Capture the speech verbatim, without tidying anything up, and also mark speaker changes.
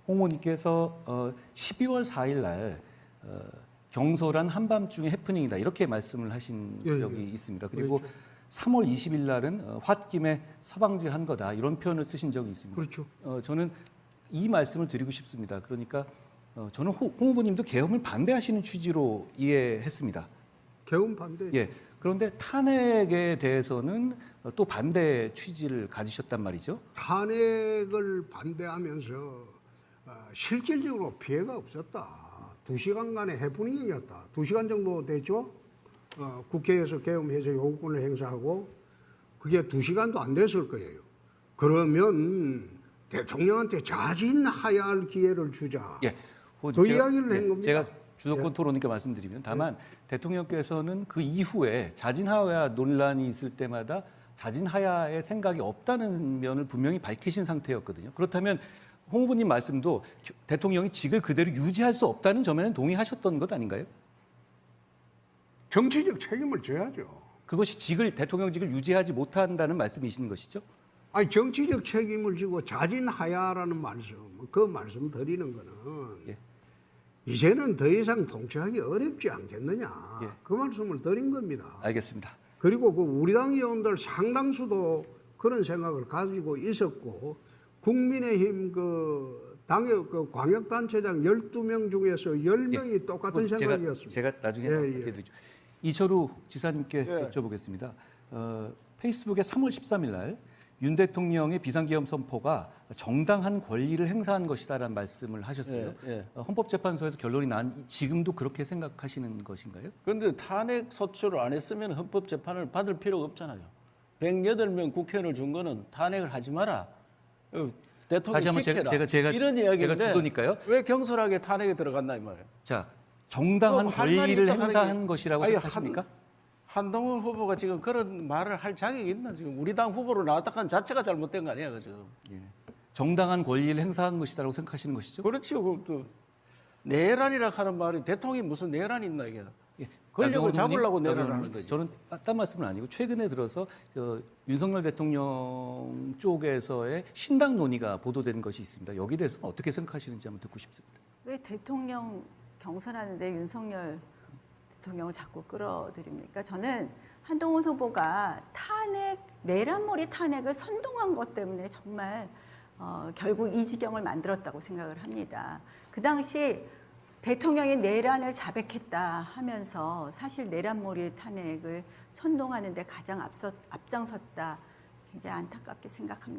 Speaker 1: 홍 후보님께서 어, 십이월 사일 날 어, 경솔한 한밤중의 해프닝이다 이렇게 말씀을 하신
Speaker 2: 예,
Speaker 1: 적이
Speaker 2: 예.
Speaker 1: 있습니다. 그리고
Speaker 2: 그렇죠.
Speaker 1: 삼월 이십일 날은 어, 홧김에 서방질한 거다 이런 표현을 쓰신 적이 있습니다.
Speaker 2: 그렇죠.
Speaker 1: 어, 저는 이 말씀을 드리고 싶습니다. 그러니까 어, 저는 홍, 홍 후보님도 계엄을 반대하시는 취지로 이해했습니다.
Speaker 2: 개헌 반대.
Speaker 1: 예. 그런데 탄핵에 대해서는 또 반대 취지를 가지셨단 말이죠.
Speaker 2: 탄핵을 반대하면서 어, 실질적으로 피해가 없었다. 두 시간간의 해프닝이었다. 두 시간 정도 됐죠. 어, 국회에서 계엄해서 요구권을 행사하고 그게 두 시간도 안 됐을 거예요. 그러면 대통령한테 자진하야할 기회를 주자.
Speaker 1: 예.
Speaker 2: 그
Speaker 1: 제가-
Speaker 2: 이야기를
Speaker 1: 예,
Speaker 2: 한 겁니다.
Speaker 1: 제가 주도권 토론이니까 말씀드리면 다만 대통령께서는 그 이후에 자진하야 논란이 있을 때마다 자진하야의 생각이 없다는 면을 분명히 밝히신 상태였거든요. 그렇다면 홍 후보님 말씀도 대통령이 직을 그대로 유지할 수 없다는 점에는 동의하셨던 것 아닌가요?
Speaker 2: 정치적 책임을 져야죠.
Speaker 1: 그것이 직을 대통령직을 유지하지 못한다는 말씀이신 것이죠?
Speaker 2: 아니 정치적 책임을 지고 자진하야라는 말씀, 그 말씀 드리는 거는
Speaker 1: 예.
Speaker 2: 이제는 더 이상 통치하기 어렵지 않겠느냐.
Speaker 1: 예.
Speaker 2: 그 말씀을 드린 겁니다.
Speaker 1: 알겠습니다.
Speaker 2: 그리고 그 우리 당 의원들 상당수도 그런 생각을 가지고 있었고 국민의힘 그 당의 그 광역단체장 열두 명 중에서 열 명이 똑같은
Speaker 1: 제가,
Speaker 2: 생각이었습니다.
Speaker 1: 제가 나중에
Speaker 2: 예,
Speaker 1: 어떻게
Speaker 2: 예.
Speaker 1: 되죠? 이철우 지사님께
Speaker 2: 예.
Speaker 1: 여쭤보겠습니다. 어, 페이스북에 삼월 십삼일 날 윤 대통령의 비상계엄 선포가 정당한 권리를 행사한 것이다라는 말씀을 하셨어요.
Speaker 3: 예, 예.
Speaker 1: 어, 헌법재판소에서 결론이 난 이- 지금도 그렇게 생각하시는 것인가요?
Speaker 3: 그런데 탄핵 소추를 안 했으면 헌법 재판을 받을 필요가 없잖아요. 백여덟 명 국회의원을 준 거는 탄핵을 하지 마라. 어, 대통령
Speaker 1: 다시 한번
Speaker 3: 지켜라.
Speaker 1: 제가- 제가- 제가-
Speaker 3: 이런 이야기인데
Speaker 1: 제가 주도니까요.
Speaker 3: 왜 경솔하게 탄핵에 들어갔나 이 말이에요.
Speaker 1: 자, 정당한
Speaker 3: 그럼 할 말이
Speaker 1: 권리를
Speaker 3: 있다 하는
Speaker 1: 행사한
Speaker 3: 게-
Speaker 1: 것이라고
Speaker 3: 아니,
Speaker 1: 생각하십니까?
Speaker 3: 한, 한동훈 후보가 지금 그런 말을 할 자격이 있나 지금 우리 당 후보로 나왔다는 자체가 잘못된 거 아니야 지금.
Speaker 1: 정당한 권리를 행사한 것이다라고 생각하시는 것이죠?
Speaker 3: 그렇지요. 그또 내란이라 하는 말이 대통령이 무슨 내란이 있나 이게.
Speaker 1: 예.
Speaker 3: 권력을
Speaker 1: 나경원
Speaker 3: 잡으려고
Speaker 1: 의원님,
Speaker 3: 내란을
Speaker 1: 나경원
Speaker 3: 하는
Speaker 1: 의원님,
Speaker 3: 거지.
Speaker 1: 저는 딴 말씀은 아니고 최근에 들어서 어, 윤석열 대통령 쪽에서의 신당 논의가 보도된 것이 있습니다. 여기에 대해서 어떻게 생각하시는지 한번 듣고 싶습니다.
Speaker 4: 왜 대통령 경선하는데 윤석열 대통령을 자꾸 끌어들입니까? 저는 한동훈 후보가 탄핵, 내란몰이 탄핵을 선동한 것 때문에 정말 어, 결국 이 지경을 만들었다고 생각을 합니다. 그 당시 대통령이 내란을 자백했다 하면서 사실 내란몰이 탄핵을 선동하는 데 가장 앞서, 앞장섰다. 굉장히 안타깝게 생각합니다.